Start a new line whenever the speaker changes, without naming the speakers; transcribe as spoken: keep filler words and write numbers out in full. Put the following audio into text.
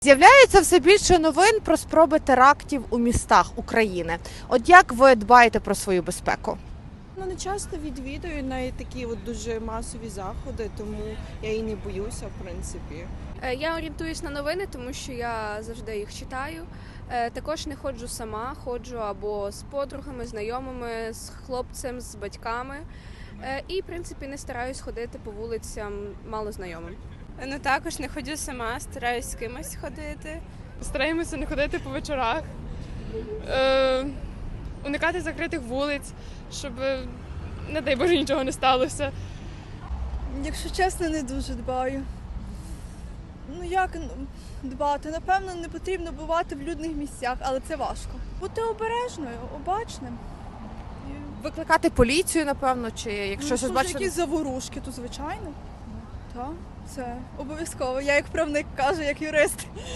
З'являється все більше новин про спроби терактів у містах України. От як ви дбаєте про свою безпеку?
Ну, не часто відвідую навіть такі от дуже масові заходи, тому я і не боюся, в принципі.
Е, Я орієнтуюсь на новини, тому що я завжди їх читаю. Е, Також не ходжу сама, ходжу або з подругами, знайомими, з хлопцем, з батьками. Е, І, в принципі, не стараюсь ходити по вулицям малознайомим.
Ну також не ходжу сама, стараюсь з кимось ходити.
Стараємося не ходити по вечорах, е, уникати закритих вулиць, щоб, не дай Боже, нічого не сталося.
Якщо чесно, не дуже дбаю. Ну як ну, дбати? Напевно, не потрібно бувати в людних місцях, але це важко. Бути обережною, обачним. І,
Викликати поліцію, напевно, чи якщо
ну,
щось
якщо
бачите?
якісь заворушки, то звичайно. Так, це обов'язково. Я як правник кажу, як юрист.